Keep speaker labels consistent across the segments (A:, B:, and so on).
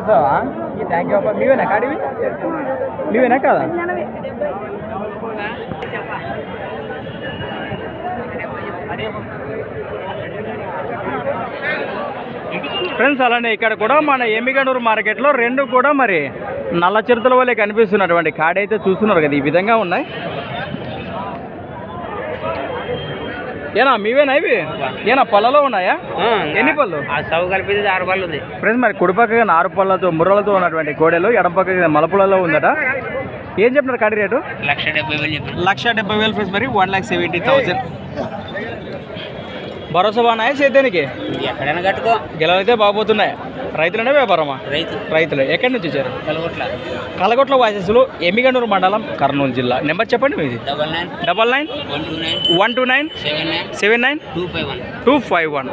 A: చూస్తావా? Thank you అప్ప. మీవేనా కాడివి? మీవేనా కదా? ఫ్రెండ్స్ అలానే ఇక్కడ కూడా మన ఎమ్మిగనూరు మార్కెట్లో రెండు కూడా మరి నల్ల చిరుతల వల్లే కనిపిస్తున్నటువంటి కాడి అయితే చూస్తున్నారు కదా, ఈ విధంగా ఉన్నాయి. ఏనా మీవేనా ఇవి? ఏనా పళ్ళలో ఉన్నాయా? ఎన్ని పళ్ళు?
B: కలిపి 6 పళ్ళు ఉంది
A: ఫ్రెండ్స్. మరి కుడిపక్కగా 6 పళ్ళతో ముర్రలతో ఉన్నటువంటి కోడెలు, ఎడం పక్కగా మలపులలో ఉందట. ఏం చెప్పినారు కాడి రేటు? 1,70,000 ఫ్రెండ్స్. మరి 1,70,000. భరోసా బాగున్నాయా సేద్యానికి?
B: ఎక్కడైనా కట్టుకో.
A: గెలవైతే బాగుపోతున్నాయి. రైతులనే వ్యాపారమా? రైతులు. ఎక్కడి నుంచి వచ్చారు? కలగొట్ల వాసెస్లు, ఎమ్మిగనూరు మండలం, కర్నూలు జిల్లా. నెంబర్ చెప్పండి మీది. 99-129-79-251.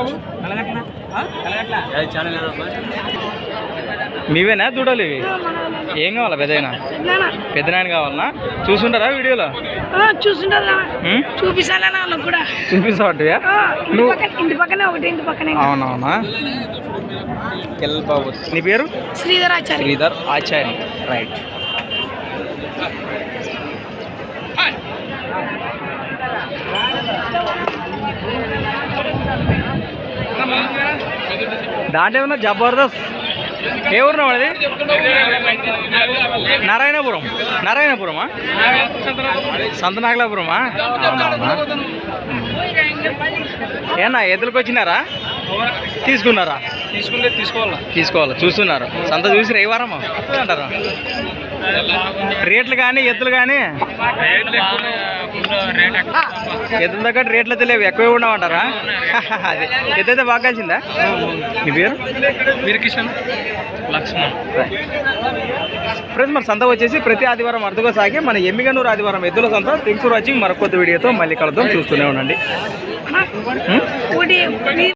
A: మీవేనా దూడలు ఇవి? ఏం కావాలా? పెద్దనాయన కావాలన్నా? చూసుంటారా వీడియోలో? చూపిస్తావా? అవునవునా? బాబు నీ పేరు? శ్రీధర్ ఆచార్య. రైట్. దాంట్లో ఏమన్నా జబర్దస్త్. ఏ ఊరు అది? నారాయణపురమా? సంతనాగలాపురమా? అవునవునా? ఏనా ఎదురుకు వచ్చినారా? తీసుకున్నారా? తీసుకోవాలా. చూస్తున్నారు. సంత చూసిరా ఏ వారమా అంటారా? రేట్లు కానీ ఎద్దులు కానీ ఎద్దుల దగ్గర రేట్లు అయితే లేవు, ఎక్కువ ఉండమంటారా? అదే ఎద్దైతే బాగా కలిసిందా? మీ పేరు? వీరకిషన్ లక్ష్మణ్. ఫ్రెండ్స్ మరి సంత వచ్చేసి ప్రతి ఆదివారం అర్థగా సాగి మన ఎమ్మిగనూరు ఆదివారం ఎద్దుల సంత. Thanks for watching. మరొక కొత్త వీడియోతో మళ్ళీ కలుద్దాం. చూస్తూనే ఉండండి.